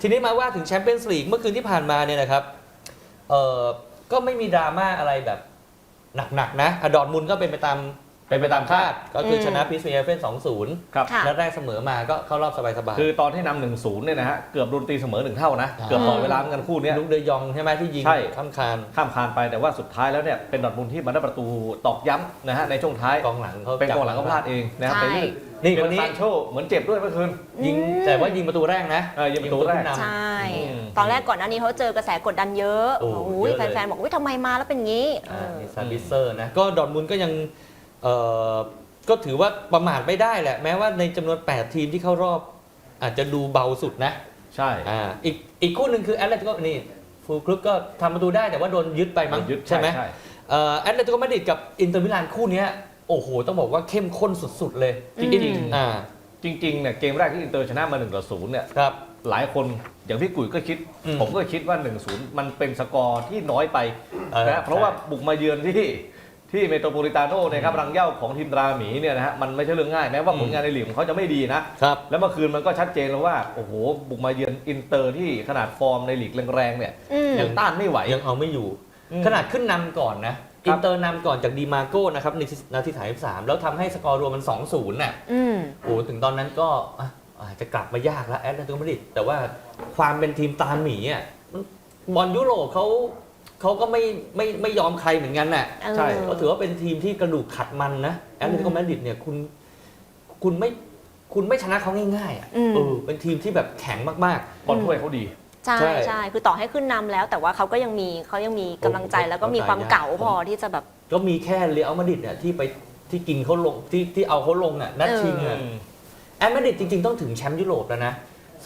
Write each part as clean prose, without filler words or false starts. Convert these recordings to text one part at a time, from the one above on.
ทีนี้มาว่าถึงแชมเปี้ยนส์ลีกเมื่อคืนที่ผ่านมาเนี่ยนะครับก็ไม่มีดราม่าอะไรแบบหนักๆนะดอร์ทมุนด์ก็เป็นไปตามคาดก็คือชนะพีเอสวี Eindhoven 2-0 ครับนัดแรกเสมอมาก็เข้ารอบสบายๆคือตอนที่นำ 1-0 เนี่ยนะฮะเกือบโดนตีเสมอ1 เท่านะเกือบต่อเวลาเหมือนกันคู่นี้ลุกเดยองใช่ไหมที่ยิงข้ามคานไปแต่ว่าสุดท้ายแล้วเนี่ยเป็นดอร์ทมุนด์ที่มาได้ประตูตอกย้ำนะฮะในช่วงท้ายกองหลังเขาพลาดเองนะครับเป็นนี่คนนี้ซานโชเหมือนเจ็บด้วยเมื่อคืนยิงแต่ว่ายิงประตูแรกนะยิงประตูแรกใช่ตอนแรกก่อนหน้านี้เขาเจอกระแสกดดันเยอะแฟนๆบอกว่าทำไมมาแล้วเป็นงี้ซาบิเซอร์นะก็ดอร์ทมุนด์ก็ยังก็ถือว่าประมาทไม่ได้แหละแม้ว่าในจำนวน8ทีมที่เข้ารอบอาจจะดูเบาสุดนะใช่อีกคู่หนึ่งคือแอตเลติโกนี่ฟูลคลุกก็ทำประตูได้แต่ว่าโดนยึดไปมั้งใช่ไหมแอตเลติโกมาดริดกับอินเตอร์มิลานคู่นี้โอ้โหต้องบอกว่าเข้มข้นสุดๆเลยจริงเนี่ยเกมแรกที่อินเตอร์ชนะมา1-0เนี่ยหลายคนอย่างพี่กุ๋ยก็คิดผมก็คิดว่า 1-0 มันเป็นสกอร์ที่น้อยไปนะเพราะว่าบุกมาเยือนที่เมโทรโพลิตาโน่นะครับรังเหย้าของทีมตราหมีเนี่ยนะฮะมันไม่ใช่เรื่องง่ายแม้ว่าผลงานในลีกของเขาจะไม่ดีนะแล้วเมื่อคืนมันก็ชัดเจนแล้วว่าโอ้โหบุกมาเยือนอินเตอร์ที่ขนาดฟอร์มในลีกแรงๆเนี่ยยังต้านไม่ไหวยังเอาไม่อยู่ขนาดขึ้นนำก่อนนะอินเตอร์นำก่อนจากดีมาโก้นะครับในนาที33แล้วทำให้สกอร์รวมมัน 2-0 น่ะโอ้ถึงตอนนั้นก็อาจจะกลับมายากแล้วแอตเลติโกมาดริดแต่ว่าความเป็นทีมตราหมีอ่ะบอลยุโรปเขาก็ไม่ยอมใครเหมือนกันน่ะใช่ก็ถือว่าเป็นทีมที่กระดูกขัดมันนะแอตเลติโกมาดริดเนี่ยคุณไม่ชนะเขาง่ายๆอ่ะเป็นทีมที่แบบแข็งมากๆบอลถ้วยเขาดีใช่คือต่อให้ขึ้นนำแล้วแต่ว่าเขาก็ยังมีกำลังใจแล้วก็มีความเก๋าพอที่จะแบบก็มีแค่เรอัลมาดริดเนี่ยที่กินเขาลงที่เอาเขาลงอ่ะนัดชิงอ่ะแอตมาดริดจริงๆต้องถึงแชมป์ยุโรปแล้วนะ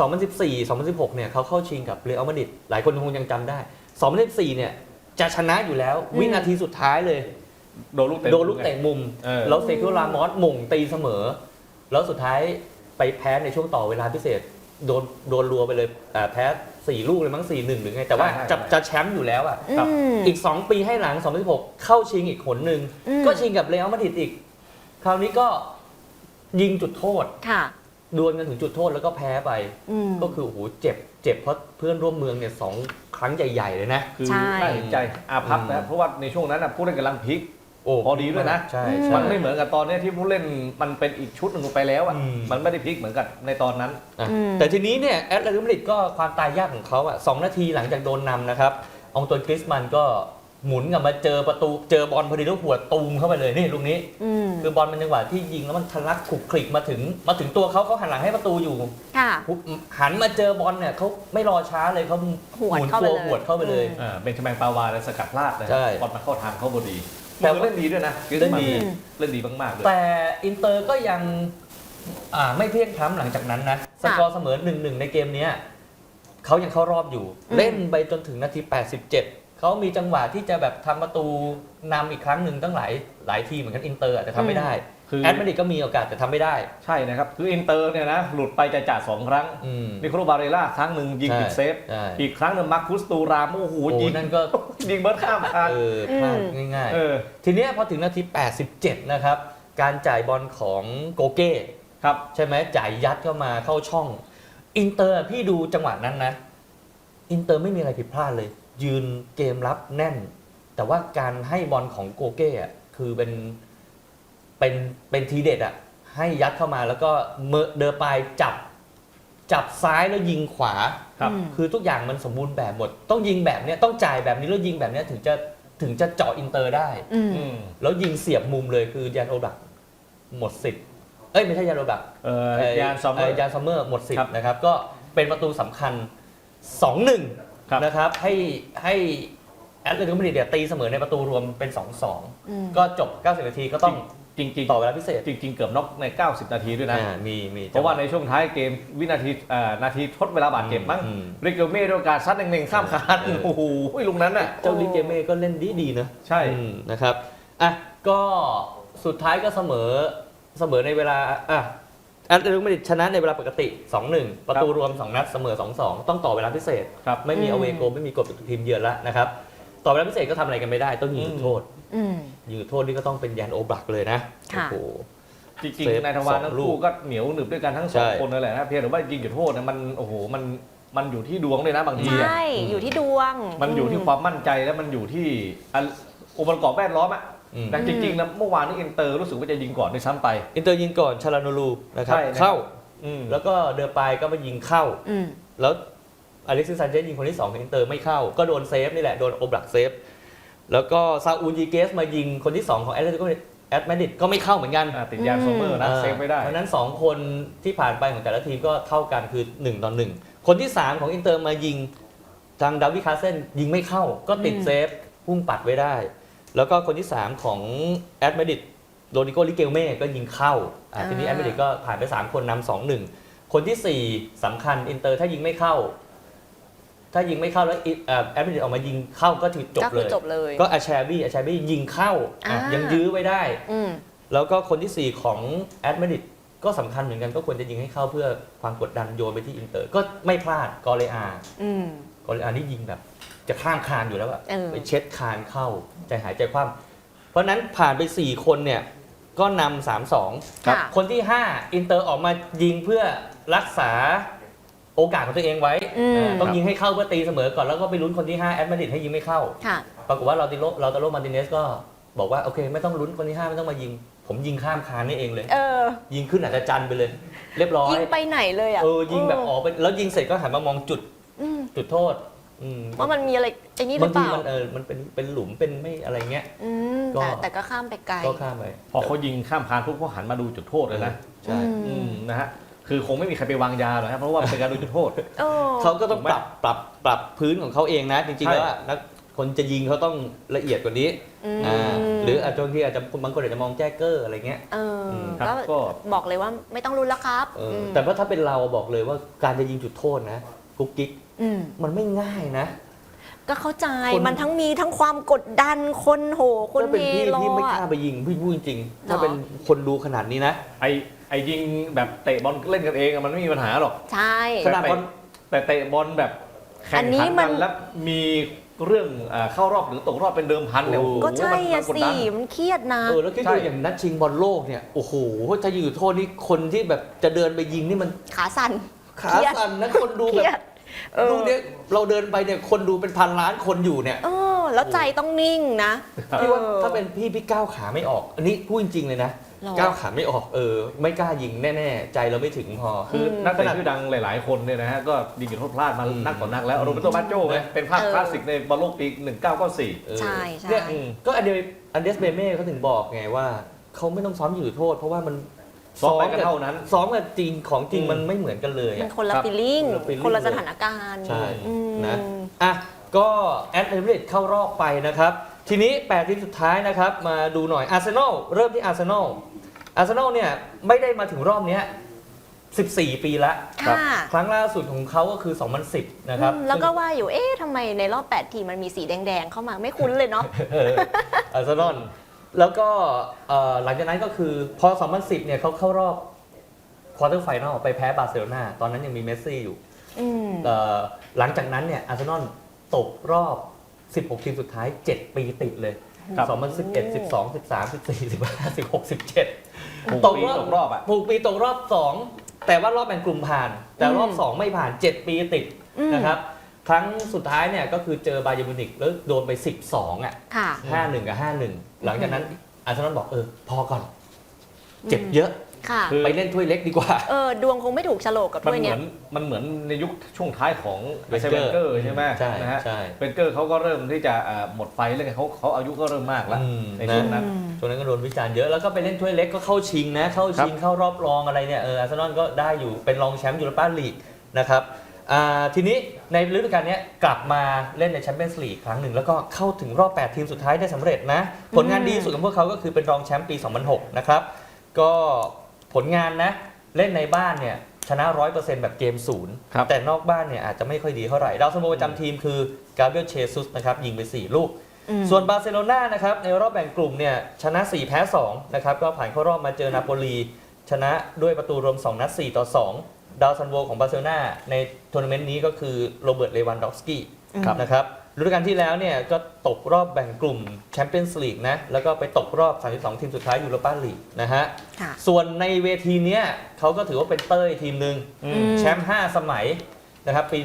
2014 2016เนี่ยเขาเข้าชิงกับเรอัลมาดริดหลายคนคงยังจำได้2014เนี่ยจะชนะอยู่แล้ววินาทีสุดท้ายเลยโดนลูกเตะมุมแล้วเซคิโอ รามอสหม่งตีเสมอแล้วสุดท้ายไปแพ้ในช่วงต่อเวลาพิเศษโดนรัวไปเลยแพ้4 ลูกเลยมั้ง 4-1 หรือไงแต่ว่าจะแชมป์อยู่แล้วอ่ะอีก2 ปีให้หลัง2016เข้าชิงอีกหนนึงก็ชิงกับเรอัลมาดริดอีกคราวนี้ก็ยิงจุดโทษดวลกันถึงจุดโทษแล้วก็แพ้ไปก็คือโอ้โหเจ็บเพราะเพื่อนร่วมเมืองเนี่ย2 ครั้งใหญ่ๆเลยนะคือน่าเห็นใจอาภัพนะเพราะว่าในช่วงนั้นผู้เล่นกำลังพลิกพอดีด้วยนะมันไม่เหมือนกับตอนนี้ที่ผู้เล่นมันเป็นอีกชุดหนึ่งไปแล้วอ่ะมันไม่ได้พลิกเหมือนกับในตอนนั้นแต่ทีนี้เนี่ยแอตเลติโกมาดริดก็ความตายยากของเขาอ่ะ2 นาทีหลังจากโดนนำนะครับองตวน กริซมันก็หมุนกลับมาเจอบอลพอดีแล้วหัวตูมเข้าไปเลยนี่ลูกนี้คือบอลมันจังหวะที่ยิงแล้วมันทะลักขลุกคลิกมาถึงตัวเขาหันหลังให้ประตูอยู่หันมาเจอบอลเนี่ยเขาไม่รอช้าเลยเขาหมุนตัวหวดเข้าไปเลยเป็นชแมงปาวาและสกัดพลาดนะบอลมาเข้าทางเขาพอดีแต่เล่นดีด้วยนะเล่นดีมากๆเลยแต่อินเตอร์ก็ยังไม่เพียงพล้ำหลังจากนั้นนะสกอร์เสมอ 1-1 ในเกมนี้เขายังเข้ารอบอยู่เล่นไปจนถึงนาที87เขามีจังหวะที่จะแบบทำประตูนำอีกครั้งหนึ่งตั้งหลายทีเหมือนกันอินเตอร์แต่ทำไม่ได้แอตมาดริดก็มีโอกาสแต่ทำไม่ได้ใช่นะครับคืออินเตอร์เนี่ยนะหลุดไปจ่า2 ครั้งนิโคลบาเรล่าครั้งหนึ่งยิงติดเซฟอีกครั้งหนึ่งมาร์คุสตูรามโอ้โหยิงนั่นก็ยิงเบิร์ดข้ามคานพลาดง่ายๆทีนี้พอถึงนาที87นะครับการจ่ายบอลของโกเก้ครับใช่ไหมจ่ายยัดเข้ามาเข้าช่องอินเตอร์พี่ดูจังหวะนั้นนะอินเตอร์ไม่มีอะไรผิดพลาดเลยยืนเกมรับแน่นแต่ว่าการให้บอลของโกเก้อะคือเป็นทีเด็ดอะให้ยัดเข้ามาแล้วก็เดอปายจับซ้ายแล้วยิงขวาคือทุกอย่างมันสมบูรณ์แบบหมดต้องยิงแบบนี้ต้องจ่ายแบบนี้แล้วยิงแบบนี้ถึงจะเจาะอินเตอร์ได้แล้วยิงเสียบมุมเลยคือยานโอบักหมดสิทธิ์ไม่ใช่ยานโอบักยานซัมเมอร์หมดสิทธิ์นะครับก็เป็นประตูสำคัญ 2-1นะครับให้แอตเลติโกมาดริดตีเสมอในประตูรวมเป็น 2-2 ก็จบ90 นาทีก็ต้องจริงต่อเวลาพิเศษจริงเกือบน็อกใน90 นาทีด้วยนะมีเพราะว่าในช่วงท้ายเกมนาทีทดเวลาบาดเจ็บมั้งริเกเม่ด้วยการซัดเน่งๆข้ามคานโอ้โหลุงนั้นน่ะเจ้าริเกเม่ก็เล่นดีนะใช่นะครับก็สุดท้ายก็เสมอในเวลาแอตเลติโกมาดริดชนะในเวลาปกติ 2-1 ประตูรวม2 นัดเสมอ 2-2 ต้องต่อเวลาพิเศษไม่มีอเวโกไม่มีกฎทีมเยือนแล้วนะครับต่อเวลาพิเศษก็ทำอะไรกันไม่ได้ต้องยิงจุดโทษยิงจุดโทษนี่ก็ต้องเป็นยานโอบักเลยนะโอ้โหจริงๆนายทวารทั้งคู่ก็เหนียวหนึบด้วยกันทั้ง2 คนนั่นแหละนะเพียงแต่ว่ายิงจุดโทษนะมันโอ้โหมันมันอยู่ที่ดวงเลยนะบางทีใช่อยู่ที่ดวงมันอยู่ที่ความมั่นใจแล้วมันอยู่ที่องค์ประกอบแวดล้อมแต่จริงๆนะเมื่อวานนี้อินเตอร์รู้สึกว่าจะยิงก่อนด้วยซ้ำไปอินเตอร์ยิงก่อนชาลานูรูนะครับใช่นะครับเข้าแล้วก็เดอปายก็มายิงเข้าอืมแล้วอเล็กซิสซานเชสยิงคนที่2ของอินเตอร์ไม่เข้าก็โดนเซฟนี่แหละโดนโอบลักเซฟแล้วก็ซาอูลยีเกสมายิงคนที่2ของแอตเลติโกมาดริดก็ไม่เข้าเหมือนกันติดยางโซเมอร์นะเซฟไม่ได้เพราะฉะนั้น2คนที่ผ่านไปของแต่ละทีมก็เท่ากันคือ1-1คนที่3ของอินเตอร์มายิงทางดาวิดคาเซนยิงไม่เข้าก็ติดเซฟพุ่งปัดไว้ได้แล้วก็คนที่3ของแอตมาดริดโรดิโกลิเกลเม่ก็ยิงเข้าทีนี้แอตมาดริดก็ผ่านไป3คนนำ 2-1คนที่4สำคัญอินเตอร์ถ้ายิงไม่เข้าแล้วแอตมาดริดออกมายิงเข้าก็ถือจบเลยก็อาแชบี้ยิงเข้ายังยื้อไว้ได้แล้วก็คนที่4ของแอตมาดริดก็สำคัญเหมือนกันก็ควรจะยิงให้เข้าเพื่อความกดดันโยนไปที่อินเตอร์ก็ไม่พลาดกอเลอานี่ยิงแบบจะข้ามคานอยู่แล้วอะไปเช็ดคานเข้าใจหายใจคว่ำเพราะนั้นผ่านไป4คนเนี่ยก็นำ 3-2 คนที่5อินเตอร์ออกมายิงเพื่อรักษาโอกาสของตัวเองไว้ต้องยิงให้เข้าเพื่อตีเสมอก่อนแล้วก็ไปลุ้นคนที่5แอตมาดริดให้ยิงไม่เข้าปรากฏว่าเราตาโรมาร์ติเนสก็บอกว่าโอเคไม่ต้องลุ้นคนที่5ไม่ต้องมายิงผมยิงข้ามคานนี่เองเลยยิงขึ้นอาจจะจันไปเลยเรียบร้อยยิงไปไหนเลยอ่ะยิงแบบออกไปแล้วยิงเสร็จก็หันมามองจุดโทษว่ามันมีอะไรไอ้นี่หรือเปล่ามันเป็นหลุมเป็นไม่อะไรเงี้ยแต่ก็ข้ามไปไกลก็ข้ามไปพอเขายิงข้ามคานปุ๊บเขาหันมาดูจุดโทษเลยนะใช่นะฮะคือคงไม่มีใครไปวางยาหรอกครับเพราะว่าเป็นการดูจุดโทษเขาก็ต้องปรับพื้นของเขาเองนะจริงๆแล้วนักคนจะยิงเขาต้องละเอียดกว่านี้หรืออาจจะบางคนอาจจะมองแจ้เกอร์อะไรเงี้ยก็บอกเลยว่าไม่ต้องรุนแล้วครับแต่ว่าถ้าเป็นเราบอกเลยว่าการจะยิงจุดโทษนะกุ๊กกิ๊กมันไม่ง่ายนะก็เข้าใจมันมีทั้งความกดดันคนโหคนเฮโร่พี่ไม่กล้าไปยิงพี่พูดจริงๆถ้าเป็นคนดูขนาดนี้นะไอ้ยิงแบบเตะบอลเล่นกันเองมันไม่มีปัญหาหรอกใช่ขนาดแต่เตะบอลแบบแข่งขันกันแล้วมีเรื่องเข้ารอบหรือตกรอบเป็นเดิมพันเนี่ยก็ใช่สิมันเครียดนะแล้วคิดดูอย่างนัดชิงบอลโลกเนี่ยโอ้โหถ้ายิงจุดโทษนี่คนที่แบบจะเดินไปยิงนี่มันขาสั่นนะคนดูแบบดูเนี่ยเราเดินไปเนี่ยคนดูเป็นพันล้านคนอยู่เนี่ยแล้วใจต้องนิ่งนะพี่ว่าถ้าเป็นพี่ก้าวขาไม่ออกอันนี้พูดจริงๆเลยนะก้าวขาไม่ออกไม่กล้ายิงแน่ๆใจเราไม่ถึงพอคือนักเตะชื่อดังหลายๆคนเนี่ยนะฮะก็ยิงจุดโทษพลาดมานักต่อนักแล้วโรเบร์โต บัจโจ้เป็นภาพคลาสสิกในบอลโลกปี1994 ใช่เนี่ยก็อันเดสเบเม่เขาถึงบอกไงว่าเขาไม่ต้องซ้อมยิงจุดโทษเพราะว่ามันซ้อมกันเท่านั้นซ้อมกับจริงของจริงมันไม่เหมือนกันเลยมันคนละฟีลลิ่งคนละสถานการณ์ใช่นะก็แอตเลติกเข้ารอบไปนะครับทีนี้8ทีมสุดท้ายนะครับมาดูหน่อยอาร์เซนอลเริ่มที่อาร์เซนอลเนี่ยไม่ได้มาถึงรอบนี้14 ปีแล้วครั้งล่าสุดของเขาก็คือ2010นะครับแล้วก็ว่าอยู่ทำไมในรอบ8ทีมมันมีสีแดงๆเข้ามาไม่คุ้นเลยเนาะอาร์เซนอลแล้วก็หลังจากนั้นก็คือพอ2010เนี่ยเขาเข้ารอบควอเตอร์ไฟนอลไปแพ้บาร์เซโลนาตอนนั้นยังมีเมสซี่อยู่หลังจากนั้นเนี่ยอาร์เซนอลตกรอบ16ทีมสุดท้าย7ปีติดเลย2011 12 13 14 15 16 17ตกรอบปีตกรอบ2แต่ว่ารอบแบ่งกลุ่มผ่านแต่รอบ2ไม่ผ่าน7ปีติดนะครับครั้งสุดท้ายเนี่ยก็คือเจอบาเยิร์นมิวนิกแล้วโดนไป12อ่ะ 5-1 กับ 5-1 หลังจากนั้นอาร์เซนอลบอกพอก่อนเจ็บเยอะไปเล่นถ้วยเล็กดีกว่าดวงคงไม่ถูกโฉลกกับถ้วยเนี้ยมันเหมือนในยุคช่วงท้ายของเวนเกอร์ใช่ไหมนะฮะเวนเกอร์เขาก็เริ่มที่จะหมดไฟแล้วเขาอายุก็เริ่มมากแล้วในช่วงนั้นก็โดนวิจารณ์เยอะแล้วก็ไปเล่นถ้วยเล็กก็เข้าชิงนะเข้ารอบรองอะไรเนี่ยอาร์เซนอลก็ได้อยู่เป็นรองแชมป์ยูโรปาลีกนะครับทีนี้ในฤดูกาลนี้กลับมาเล่นในแชมเปี้ยนส์ลีกครั้งหนึ่งแล้วก็เข้าถึงรอบ8ทีมสุดท้ายได้สำเร็จนะผลงานดีสุดของพวกเขาก็คือเป็นรองแชมป์ปี2006นะครับก็ผลงานนะเล่นในบ้านเนี่ยชนะ 100% แบบเกม0แต่นอกบ้านเนี่ยอาจจะไม่ค่อยดีเท่าไหร่ดาวซันโวประจำทีมคือกาเบรียลเชซุสนะครับยิงไป4ลูกส่วนบาร์เซโลนานะครับในรอบแบ่งกลุ่มเนี่ยชนะ4แพ้2นะครับก็ผ่านเข้ารอบมาเจอนาโปลีชนะด้วยประตูรวม2นัด4-2ดาวซันโวของบาร์เซโลนาในทัวร์นาเมนต์นี้ก็คือโรเบิร์ตเลวันดอฟสกี้นะครับฤดูกาลที่แล้วเนี่ยก็ตกรอบแบ่งกลุ่มแชมเปี้ยนส์ลีกนะแล้วก็ไปตกรอบ32ทีมสุดท้ายยูโรปาลีกนะฮะส่วนในเวทีเนี้ยเขาก็ถือว่าเป็นเต้ยทีมหนึ่งแชมป์5 สมัยนะครับปี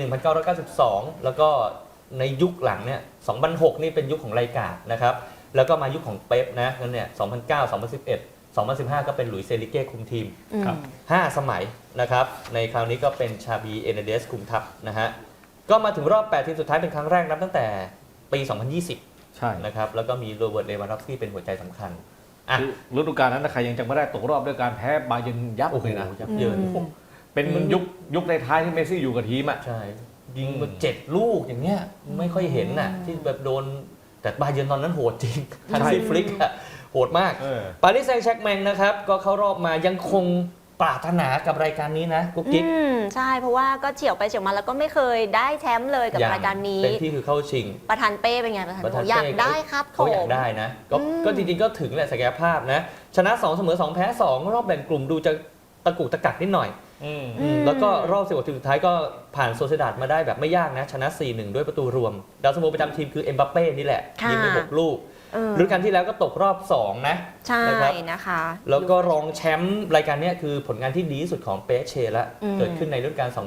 1992 แล้วก็ในยุคหลังเนี่ย 2006 นี่เป็นยุคของไลกาดนะครับแล้วก็มายุคของเป๊ปนะนั่นเนี่ย 2009 2011 2015 ก็เป็นหลุยส์เซริเก้คุมทีมครับ 5 สมัยนะครับในคราวนี้ก็เป็นชาบีเอเนเดสคุมทัพนะฮะก็มาถึงรอบ 8 ทีมสุดท้ายเป็นครั้งแรกนับตั้งแต่ปี 2020 ใช่นะครับแล้วก็มีโรเบิร์ตเลวานดอฟสกี้เป็นหัวใจสำคัญอ่ะคือฤดูกาลนั้นนะใครยังจำไม่ได้ตกรอบด้วยการแพ้บาเยิร์นยับโอ้โหเลยนะยับเยินเป็นยุคในท้ายที่เมสซี่อยู่กับทีมอ่ะใช่ยิงมา7 ลูกอย่างเงี้ยไม่ค่อยเห็นน่ะที่แบบโดนแต่บาเยิร์นตอนนั้นโหดจริงทันซี่ฟลิกอะโหดมาก ปารีสแซงต์แชร์กแมงนะครับก็เข้ารอบมายังคงปรารถนากับรายการนี้นะกุ๊กกิ๊กใช่เพราะว่าก็เฉียวไปเฉียวมาแล้วก็ไม่เคยได้แชมป์เลยกับรายการนี้เต็มที่คือเข้าชิงประธานเป้เป็นไงประธานประธานโอ้อยากเป้ได้ครับเขาอยากผมได้นะก็จริงๆก็ถึงแหละศักยภาพนะชนะ 2 เสมอ 2 แพ้ 2 รอบแบ่งกลุ่มดูจะตะกุกตะกักนิดหน่อยแล้วก็รอบ16 ทีมสุดท้ายก็ผ่านโซเซดาดมาได้แบบไม่ยากนะชนะ 4-1 ด้วยประตูรวมดาวซันโวประจำทีมคือเอ็มบัปเป้นี่แหละยิงไป6 ลูกฤดูกาลที่แล้วก็ตกรอบ 2 นะใช่นะครับนะคะแล้วก็รองแชมป์รายการเนี้ยคือผลงานที่ดีที่สุดของเปเช่ละเกิดขึ้นในฤดูกาล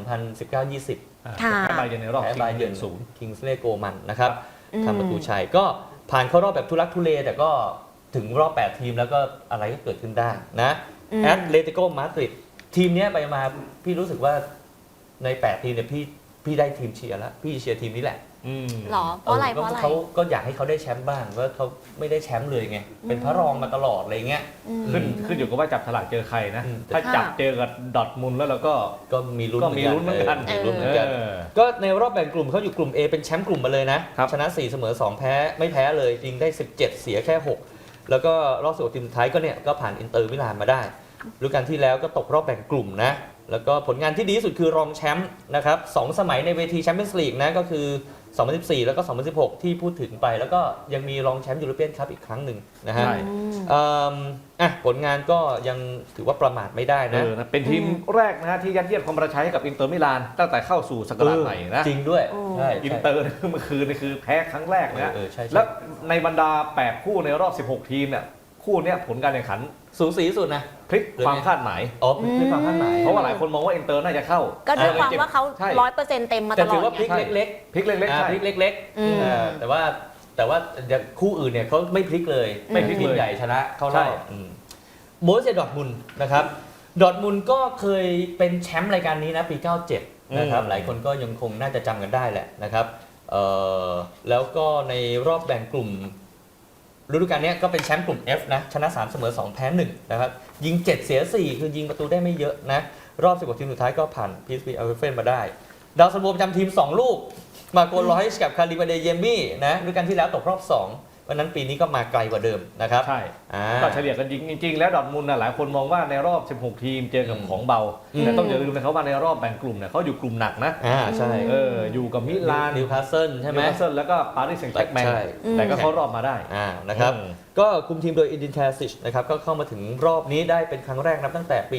2019-20 ค่ะแพ้บาเยิร์นในรอบแพ้ชิงบาเยิร์น 1-0 คิงส์เลย์โกมันนะครับทำประตูชัยก็ผ่านเข้ารอบแบบทุลักทุเลแต่ก็ถึงรอบ 8 ทีมแล้วก็อะไรก็เกิดขึ้นได้นะแอตเลติโกมาดริดทีมเนี้ยไปมาพี่รู้สึกว่าใน 8 ทีมเนี่ยพี่ได้ทีมเชียร์แล้วพี่เชียร์ทีมนี้แหละหรอเพราะอะไรเพราะอะไรเขาก็อยากให้เขาได้แชมป์บ้างว่าเขาไม่ได้แชมป์เลยไงเป็นพระรองมาตลอดอะไรเงี้ยขึ้นอยู่กับว่าจับฉลากเจอใครนะ ถ้าค่ะจับเจอกับดอร์ทมุนด์แล้วเราก็ก็มีลุ้นก็มีลุ้นเหมือนกันมีลุ้นเหมือนกัน ก็ในรอบแบ่งกลุ่มเขาอยู่กลุ่ม A เป็นแชมป์กลุ่มมาเลยนะครับชนะ 4 เสมอ 2 แพ้ไม่แพ้เลยยิงได้ 17 เสียแค่ 6 แล้วก็รอบ16ทีมสุดท้ายก็เนี่ยก็ผ่านอินเตอร์มิลานมาได้ฤดูกาลที่แล้วก็ตกรอบแบ่งกลุ่มนะแล้วก็ผลงานที่ดีที่สุดคือรองแชมป์นะครับ2 สมัยในเวทีแชมเปี้ยนส์ลีกนะก็คือ 2014 แล้วก็ 2016 ที่พูดถึงไปแล้วก็ยังมีรองแชมป์ยูโรเปียนคัพอีกครั้งหนึ่งนะฮะใช่ผลงานก็ยังถือว่าประมาทไม่ได้นะเป็นทีมแรกนะฮะที่ยัดเยียดความประชัยให้กับอินเตอร์มิลานตั้งแต่เข้าสู่ศักราชใหม่นะจริงด้วยใช่อินเตอร์เมื่อคืนนี่คือแพ้ครั้งแรกนะใช่แล้วในบรรดา 8 คู่ในรอบ 16 ทีมเนี่ยคู่เนี้ยผลการแข่งขันสูสีสุดนะพลิกความคาดหมายอ๋อเป็นความคาดหมายเพราะว่าหลายคนมองว่าอินเตอร์น่าจะเข้าก็ด้วยความว่าเขาใช่ 100%เต็มมาตแต่ลถืออดว่าพลิกไงเล็กพลิกเล็กๆๆใช่พลิกเล็กอืมแต่ว่าคู่อื่นเนี่ยเขาไม่พลิกเลยไม่พลิกเลยทีมใหญ่ชนะเข้ารใช่อบโบรุสเซียดอร์ทมุนด์นะครับดอร์ทมุนด์ก็เคยเป็นแชมป์รายการนี้นะปี 97 นะครับหลายคนก็ยังคงน่าจะจำกันได้แหละนะครับแล้วก็ในรอบแบ่งกลุ่มฤดูกาลนี้ก็เป็นแชมป์กลุ่ม F นะชนะ 3 เสมอ 2 แพ้ 1 นะครับยิง 7 เสีย 4 คือยิงประตูได้ไม่เยอะนะรอบ 16 ทีมสุดท้ายก็ผ่าน PSV Eindhoven มาได้ดาวซันโวประจำทีม 2 ลูกมาโกลอยส์กับคาริบาเดเยมี่นะฤดูกาลที่แล้วตกรอบ 2 วันนั้นปีนี้ก็มาไกลกว่าเดิมนะครับใช่ก็เฉลี่ยกันจริงๆแล้วดอร์ทมุนด์หลายคนมองว่าในรอบ 16 ทีมเจอกับของเบาแต่ต้องอย่าลืมนะครับว่าในรอบแบ่งกลุ่มเนี่ยเขาอยู่กลุ่มหนักนะใช่อยู่กับมิลานนิวคาสเซิลใช่ไหมนิวคาสเซิลแล้วก็ปารีสแซงต์แชร์กแมงใช่แต่ก็เข้ารอบมาได้นะครับก็คุมทีมโดยอินดินแทซิชนะครับก็เข้ามาถึงรอบนี้ได้เป็นครั้งแรกนับตั้งแต่ปี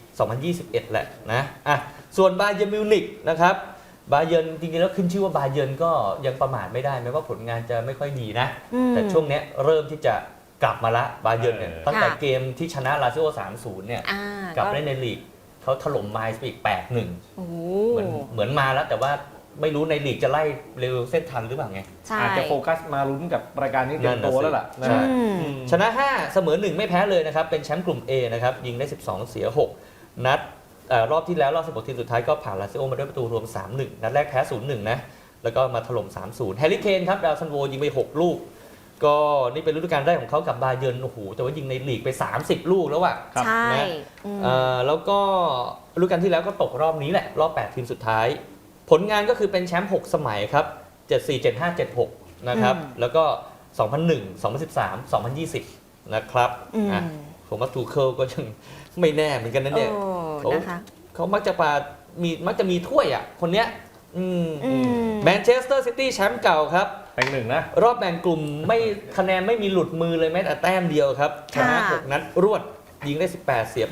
2021 แหละนะส่วนบาเยิร์นมิวนิกนะครับบาเยิร์นจริงๆแล้วขึ้นชื่อว่าบาเยิร์นก็ยังประมาทไม่ได้แม้ว่าผลงานจะไม่ค่อยดีนะแต่ช่วงนี้เริ่มที่จะกลับมาละบาเยิร์นเนี่ยตั้งแต่เกมที่ชนะลาซิโอ 3-0 เนี่ยกลับเล่นในลีกเขาถล่มไมล์ไปอีก 8-1 เหมือนมาแล้วแต่ว่าไม่รู้ในลีกจะไล่เร็วเส้นทันหรือเปล่าไงอาจจะโฟกัสมาลุ้นกับรายการนี้เต็มตัวแล้วล่ะใช่ชนะ 5 เสมอ 1 ไม่แพ้เลยนะครับเป็นแชมป์กลุ่ม A นะครับยิงได้ 12 เสีย 6 นัดรอบที่แล้วรอบ 16 ทีมสุดท้ายก็ผ่านลาซิโอมาด้วยประตูรวม 3-1 นัดแรกแพ้ 0-1 นะแล้วก็มาถล่ม 3-0 แฮร์รี่เคนครับดาวซันโวยิงไป 6 ลูกก็นี่เป็นฤดูกาลแรกของเขากับบาเยิร์นโอ้โหแต่ว่ายิงในลีกไป 30 ลูกแล้วอะใช่นะแล้วก็ฤดูกาลที่แล้วก็ตกรอบนี้แหละรอบ 8 ทีมสุดท้ายผลงานก็คือเป็นแชมป์ 6 สมัยครับ 74 75 76 นะครับแล้วก็ 2001 2013 2020 นะครับผมว่าทูเคิลก็ยังไม่แน่เหมือนกันนะเนี่ยเขามักจะมีถ้วยอ่ะคนเนี้ยแมนเชสเตอร์ซิตี้แชมป์เก่าครับเป็นหนึ่งนะรอบแบ่งกลุ่มไม่คะแนนไม่มีหลุดมือเลยแม้แต่แต้มเดียวครับชนะ6 นัดรวดยิงได้ 18 เสียไป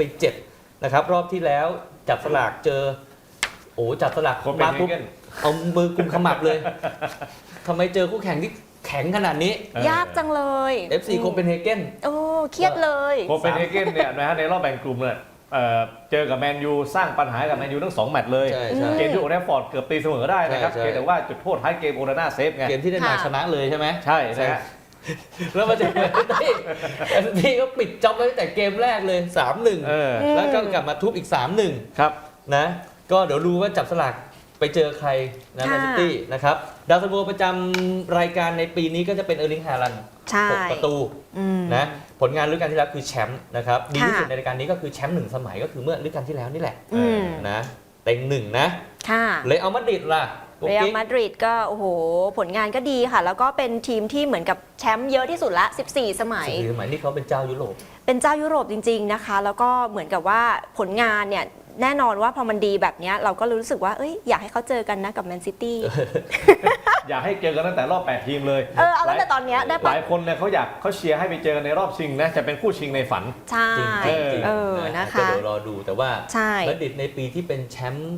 7 นะครับรอบที่แล้วจับสลากเจอจับสลากมาปุ๊บเอามือกุมขมับเลยทำไมเจอคู่แข่งที่แข็งขนาดนี้ยากจังเลย FC โคเปนเฮเกนเครียดเลยโคเปนเฮเกนเนี่ยนะฮะในรอบแบ่งกลุ่มเนี่ยเจอกับแมนยูสร้างปัญหากับแมนยูทั้ง2แมตช์เลยใช่ใช่เกมที่โอลด์แทรฟฟอร์ดเกือบตีเสมอได้นะครับใช่เพียงแต่ว่าจุดโทษท้ายเกมโอนาน่าเซฟไงเกมที่ได้มาชนะเลยใช่ไหมใช่นะฮะแล้วมาเจอแมนซิตี้ก็ปิดจ็อบไว้ตั้งแต่เกมแรกเลย 3-1 แล้วก็กลับมาทุบอีก 3-1 ครับนะก็เดี๋ยวดูว่าจับสลากไปเจอใครนะแมนซิตี้นะครับดาวซันโวประจำรายการในปีนี้ก็จะเป็นเออร์ลิงฮาลันด์ใช่ 6 ประตูนะผลงานฤดูกาลที่แล้วคือแชมป์นะครับดีที่สุดในรายการนี้ก็คือแชมป์1 สมัยก็คือเมื่อฤดูกาลที่แล้วนี่แหละนะเต็ง1นะค่ะเลยเอามาดริดล่ะเรอัลมาดริดก็โอ้โหผลงานก็ดีค่ะ แล้วก็เป็นทีมที่เหมือนกับแชมป์เยอะที่สุดละ14 สมัย 14 สมัยนี่เขาเป็นเจ้ายุโรปเป็นเจ้ายุโรปจริงๆนะคะ แล้วก็เหมือนกับว่าผลงานเนี่ยแน่นอนว่าพอมันดีแบบนี้เราก็รู้สึกว่าอยากให้เขาเจอกันนะกับแมนซิตี้อยากให้เจอกันตั้งแต่รอบ8 ทีมเลยเอาตั้งแต่ตอนเนี้ยได้หปะลายคนเนี่ยเขาเชียร์ให้ไปเจอกันในรอบชิงนะจะเป็นคู่ชิงในฝันใช่จริงๆนะคะก็เดี๋ยวรอดูแต่ว่าใช่มาดริดในปีที่เป็นแชมป์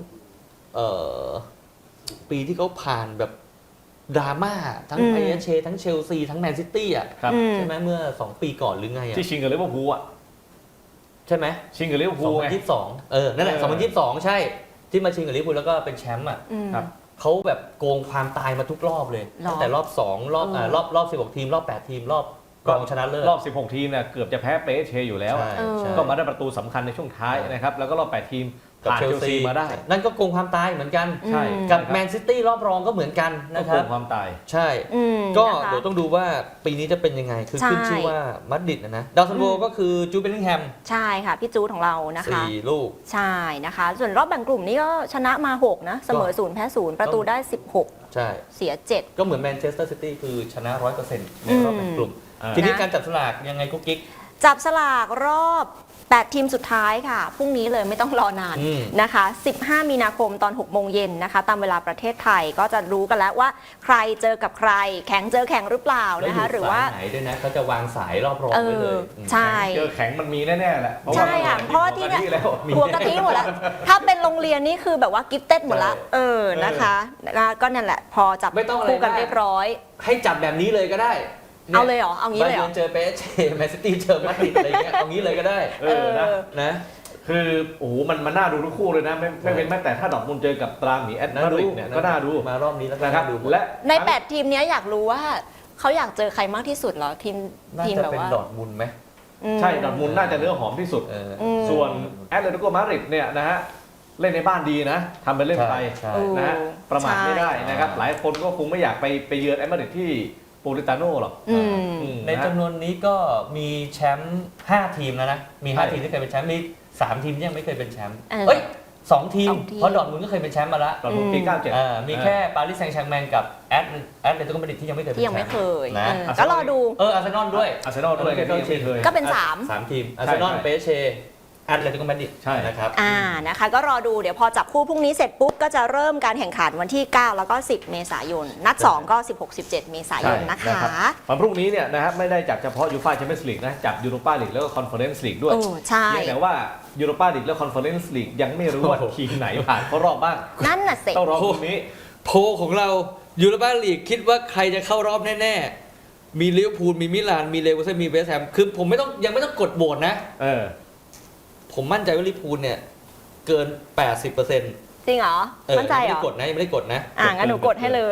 ปีที่เขาผ่านแบบดราม่าทั้งไอเอเชทั้งเชลซีทั้งแมนซิตี้อ่ะครับใช่ไหมเมื่อ 2 ปีก่อนหรือไงอ่ะที่ชิงกับลิเวอร์พูลอ่ะใช่ไหมชิงกับลิเวอร์พูลไง 2022นั่นแหละ2022 ใช่ที่มาชิงกับลิเวอร์พูลแล้วก็เป็นแชมป์อ่ะครับเขาแบบโกงความตายมาทุกรอบเลยหรอตั้งแต่รอบ2รอบ16 ทีมรอบ8 ทีมรอบรองชนะเลิศรอบ 16 ทีมเนี่ยเกือบจะแพ้เปเชอยู่แล้วใช่ใช่ก็มาได้ประตูสำคัญในช่วงท้ายนะครับแล้วก็รอบ 8 ทีมกับผ่านเชเชลลซีซีมาได้นั่นก็โกงความตายเหมือนกันใช่กับแมนซิตี้รอบรองก็เหมือนกันก็นะคโกรับงความตายใช่ ก็นะคะเดี๋ยวต้องดูว่าปีนี้จะเป็นยังไง คือใช่ขึ้นชื่อว่ามาดริดนะดาวซันโวก็คือจูเบลลิงแฮมใช่ค่ะ พี่จูดของเรานะคะ 4 ลูกใช่นะคะ ส่วนรอบแบ่งกลุ่มนี้ก็ชนะมา 6 นะ เสมอ 0 แพ้ 0 ประตูได้ 16 ใช่เสีย 7 ก็เหมือนแมนเชสเตอร์ซิตี้คือชนะ 100%ในรอบแบ่งกลุ่มอืมทีนี้นะการจับสลากยังไงกุ๊กกิ๊กจับสลากรอบ 8 ทีมสุดท้ายค่ะ พรุ่งนี้เลยไม่ต้องรอนานอืมนะคะ 15 มีนาคมตอน 6 โมงเย็นนะคะ ตามเวลาประเทศไทยก็จะรู้กันแล้วว่าใครเจอกับใคร แข่งเจอแข่งหรือเปล่าแล้วนะคะ หรือว่าสยไหนด้วยนะเขาจะวางสายรอบรองไว้เลยมใช่เจอแข็งมันมีแน่ๆแหละใช่ค่ะเพราะว่าที่เนี่ยแล้วหัวกะทิหมดแล้ว ถ้าเป็นโรงเรียนนี่คือแบบว่ากิฟเต็ดหมดละนะคะก็นั่นแหละ พอจับไม่ต้องอะไรคู่กันมากเรียบร้อยให้จับแบบนี้เลยก็ได้เอาเลยเหรอ เอางี้เลยเหรอบาเจอเปเชแมนซิตี้เจอมาดริดอะไรเงี้ยเอางี้เลยก็ได้ นะคือโอ้โหมันน่าดูทุกคู่เลยนะไม่เป็นแม้แต่ถ้าดอกมุนเจอกับตราหมีแอดมาดริดเนี่ยก็น่าดูมารอบนี้แล้วก็นะครับน่าดูและใน 8 ทีมเนี้ยอยากรู้ว่าเขาอยากเจอใครมากที่สุดเหรอ ทีมน่าทีมจะแบบเป็นว่าดอร์ทมุนด์ไหมใช่ดอร์ทมุนด์น่าจะเนื้อหอมที่สุด ส่วนแอตเลติโกมาดริดเนี่ยนะฮะเล่นในบ้านดีนะทำไปเล่นไปใช่นะฮะประมาทไม่ได้นะครับใช่หลายคนก็คงไม่อยากไปเยือนแอตมาดริดที่โปลิตาโน่หรอกในจำนวนนี้ก็มีแชมป์5 ทีมแล้วนะ มี 5 ทีมที่เคยเป็นแชมป์มี 3 ทีมที่ยังไม่เคยเป็นแชมป์เอ้ย2 ทีม 2 ทีมเพราะดอร์ทมุนด์ก็เคยเป็นแชมป์มาแล้วตอนปี97 มีแค่ปารีสแซงต์แชร์กแมงกับแอตเลติโกมาดริดที่ยังไม่เคยเป็นที่แชยังมไม่ป์เคยนะก็รอดูอาร์เซนอลด้วยอาร์เซนอลด้วยก็ยังไม่เคยก็เป็น 3 ทีมอาร์เซนอลใช่เปเชแอตเลติโกมาดริดใช่นะครับนะคะก็รอดูเดี๋ยวพอจับคู่พรุ่งนี้เสร็จปุ๊บ ก็จะเริ่มการแข่งขันวันที่ 9 แล้วก็ 10 เมษายน นัด 2 ก็ 16-17 เมษายนนะคะวันพรุ่งนี้เนี่ยนะครับไม่ได้จับเฉพาะยูฟ่าแชมเปี้ยนส์ลีกนะจับยูโรปาลีกแล้วก็คอนเฟอเรนซ์ลีกด้วยใช่เพียงแต่ว่ายูโรปาลีกและคอนเฟอเรนซ์ลีกยังไม่รู้ว่าโอ้โหทีมไหนผ่านเข้ารอบบ้างนั่นน่ะสิต้องรอพรุ่งนี้โพลของเรายูโรปาลีกคิดว่าใครจะเข้ารอบแน่ๆ มีลิเวอร์พูลมีมิลานมีเลเวอร์เซนมีเวสต์แฮมคือผมยังไม่ต้องกดโหวตนะ ผมมั่นใจว่าลิเวอร์พูลเนี่ยเกิน 80% จริงเหรอ มั่นใจเหรยังอไม่ได้กดนะงั้นหนูกดให้เลย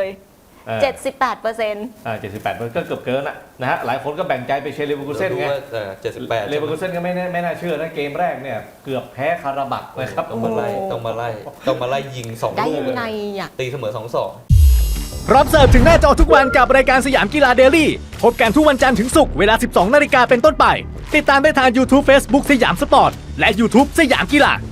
78% 78มันก็เกือบเกินนะฮะหลายคนก็แบ่งใจไปเชียร์เลเวอร์คูเซ่นไง 78 เลเวอร์คูเซ่นก็ไม่น่าเชื่อนะเกมแรกเนี่ยเกือบแพ้คาราบักนะครับต้องมาไล่ยิง2 ได้ลูกยังไงอ่ะตีเสมอ 2-2 พร้อมเสิร์ฟถึงหน้าจอทุกวันกับรายการสยามกีฬาเดลี่พบกันทุกวันจันทร์ถึงศุกร์เวลา 12 นาฬิกาเป็นต้นไป ติดตามได้ทาง YouTube Facebook สยามสปอร์ต และ YouTube สยามกีฬา